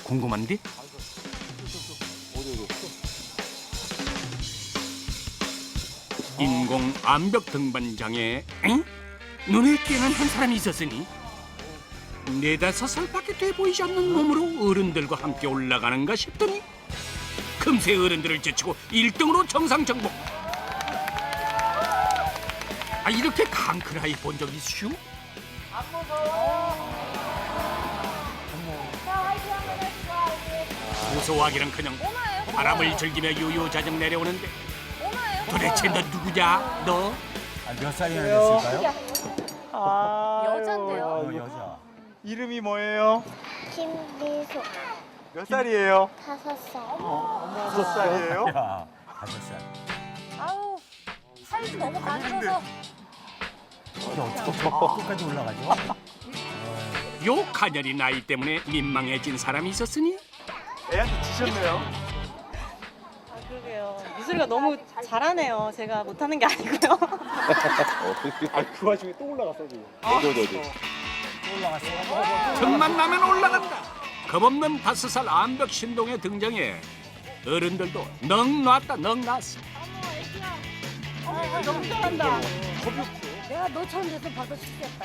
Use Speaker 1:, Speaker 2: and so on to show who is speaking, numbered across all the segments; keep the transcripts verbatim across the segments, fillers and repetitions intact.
Speaker 1: 궁금한데? 인공 암벽 등반장에 엥? 눈에 띄는 한 사람이 있었으니 네다섯 살밖에 돼 보이지 않는 몸으로 어른들과 함께 올라가는가 싶더니 금세 어른들을 제치고 일 등으로 정상 정복. 아, 이렇게 강큰 아이 본 적 있슈? 무서워하기는커녕 바람을 즐기며 유유자적 내려오는데 도대체 너 누구냐? 너?
Speaker 2: 아, 몇 살이나 됐을까요?
Speaker 3: 아,
Speaker 4: 여잔데요?
Speaker 2: 어, 여자.
Speaker 3: 이름이 뭐예요?
Speaker 5: 김미소
Speaker 3: 몇 살이에요?
Speaker 5: 다섯 살.
Speaker 3: 다섯 살이에요?
Speaker 2: 야, 다섯 살.
Speaker 4: 아우, 살도 너무 가늘어서.
Speaker 2: 이게 어떻게 저 끝까지 올라가죠?
Speaker 1: 요 가녀리 나이 때문에 민망해진 사람이 있었으니
Speaker 3: 애한테 지셨네요.
Speaker 6: 아, 그러게요. 미술이가 너무 잘하네요. 제가 못하는 게 아니고요.
Speaker 3: 아, 그 와중에 또 올라갔어, 지금.
Speaker 2: 또 올라갔어요.
Speaker 1: 틈만 나면 올라간다. 겁없는 다섯 살 암벽 신동에 등장해 어른들도 넋 놨다 넋 놨어.
Speaker 6: 어, 너무 잘한다.
Speaker 4: 내가 너처럼 돼서 봐도 싶겠다.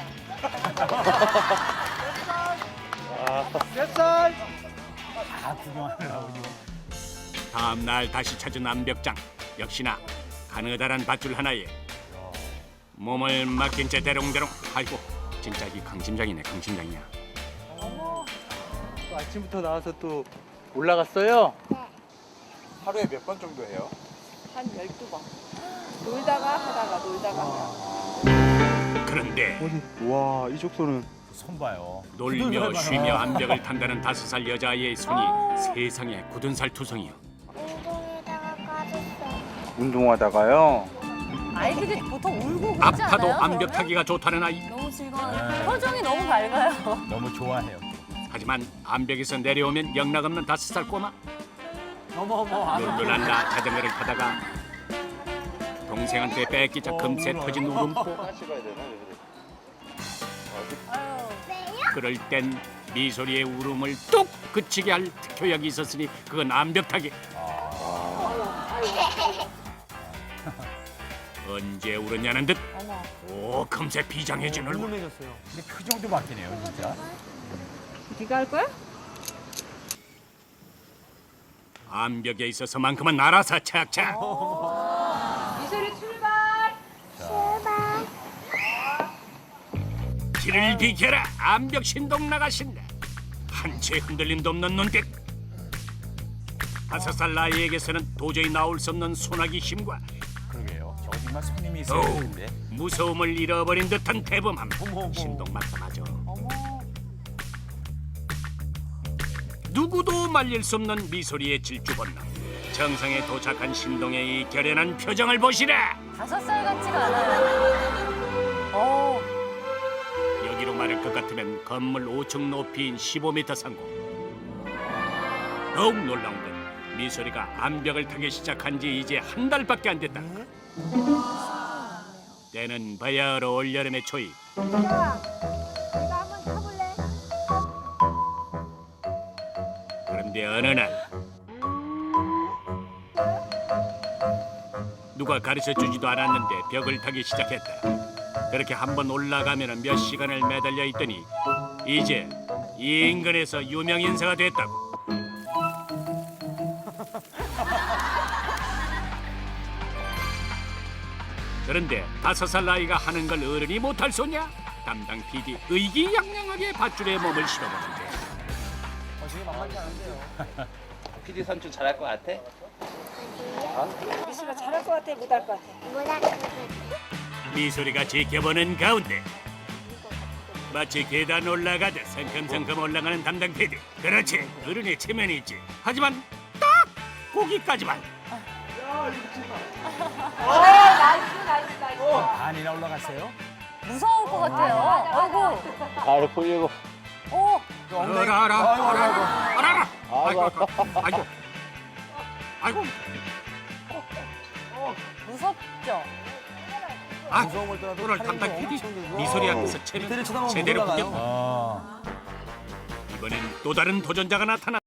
Speaker 3: 몇 살?
Speaker 2: 다 구경하느라고 지금.
Speaker 1: 다음 날 다시 찾은 암벽장 역시나 가느다란 밧줄 하나에 몸을 맡긴 채 대롱대롱. 아이고 진짜 이 강심장이네 강심장이야.
Speaker 3: 또 아침부터 나와서 또 올라갔어요?
Speaker 5: 네.
Speaker 3: 하루에 몇 번 정도 해요?
Speaker 6: 한 열두 번. 놀다가 하다가 놀다가 하다가.
Speaker 1: 그런데
Speaker 3: 어디? 와, 이 족소는.
Speaker 2: 손 봐요.
Speaker 1: 놀며 쉬며 암벽을 탄다는 다섯 살 여자아이의 손이 세상에 굳은 살 투성이요.
Speaker 5: 운동에다가 까졌어.
Speaker 3: 운동하다가요?
Speaker 4: 아이들이 보통 울고 그러지 않아요?
Speaker 1: 아파도 암벽
Speaker 4: 그러면?
Speaker 1: 타기가 좋다는 아이.
Speaker 4: 너무 즐거워요.
Speaker 2: 네.
Speaker 4: 표정이 너무 밝아요.
Speaker 2: 너무 좋아해요.
Speaker 1: 하지만 암벽에서 내려오면 영락없는 다섯 살 꼬마.
Speaker 4: 어머 어머.
Speaker 1: 놀놀한다 자전거를 타다가 동생한테 뺏기자 금세 터진 울음보.
Speaker 3: 하시봐야 되나?
Speaker 4: 아유.
Speaker 1: 그럴 땐 미소리의 울음을 뚝 그치게 할 특효약이 있었으니 그건 암벽 타기. 언제 울었냐는 듯.
Speaker 4: 어머.
Speaker 1: 오 금세 비장해진 얼굴.
Speaker 2: 근데 표정도 바뀌네요, 진짜.
Speaker 6: 네가 할 거야?
Speaker 1: 암벽에 있어서만큼은 알아서 착착.
Speaker 6: 미술이 출발!
Speaker 5: 제발.
Speaker 1: 길을 비켜라. 암벽 신동 나가신다. 한 채 흔들림도 없는 눈빛. 다섯 살 나이에게서는 도저히 나올 수 없는 소나기 힘과
Speaker 2: 그러게요. 어디만 손님이 있어야
Speaker 1: 어우,
Speaker 2: 되는데.
Speaker 1: 무서움을 잃어버린 듯한 대범함.
Speaker 2: 어머, 어머.
Speaker 1: 신동 맞다마죠.
Speaker 4: 어머.
Speaker 1: 누구도 말릴 수 없는 미소리의 질주 본능. 정상에 도착한 신동의 이 결연한 표정을 보시라.
Speaker 4: 다섯 살 같지가 않아요. 어.
Speaker 1: 여기로 말할 것 같으면 건물 오 층 높이인 십오 미터 상공. 더욱 놀라운 건 미소리가 암벽을 타기 시작한 지 이제 한 달밖에 안 됐다. 때는 바야흐로 올여름의 초입. 그런데 어느 날 누가 가르쳐주지도 않았는데 벽을 타기 시작했다. 그렇게 한번 올라가면 몇 시간을 매달려 있더니 이제 이 인근에서 유명 인사가 됐다고. 그런데 다섯 살 나이가 하는 걸 어른이 못할 소냐? 담당 피디 의기양양하게 밧줄에 몸을 실어보는데
Speaker 7: 피디 삼촌 잘할 것 같아?
Speaker 6: 미술이가 잘할 것 같아? 못할 것 같아?
Speaker 5: 뭐라 그래.
Speaker 1: 미소리가 지켜보는 가운데 마치 계단 올라가듯 성큼성큼 올라가는 담당 피디. 그렇지, 어른의 체면이 있지. 하지만 딱 거기까지만.
Speaker 2: 반이나 올라갔어요?
Speaker 4: 무서울 것 같아요. 아이고.
Speaker 7: 바로 보려고.
Speaker 4: 어.
Speaker 1: 알아 알아 알아 알아 알아. 아이고 아이고 아이고.
Speaker 4: 무섭죠?
Speaker 1: 아, 오늘 담당 피디 미소리 앞에서 체면 제대로 구경.
Speaker 2: 아.
Speaker 1: 이번엔 또 다른 도전자가 나타나.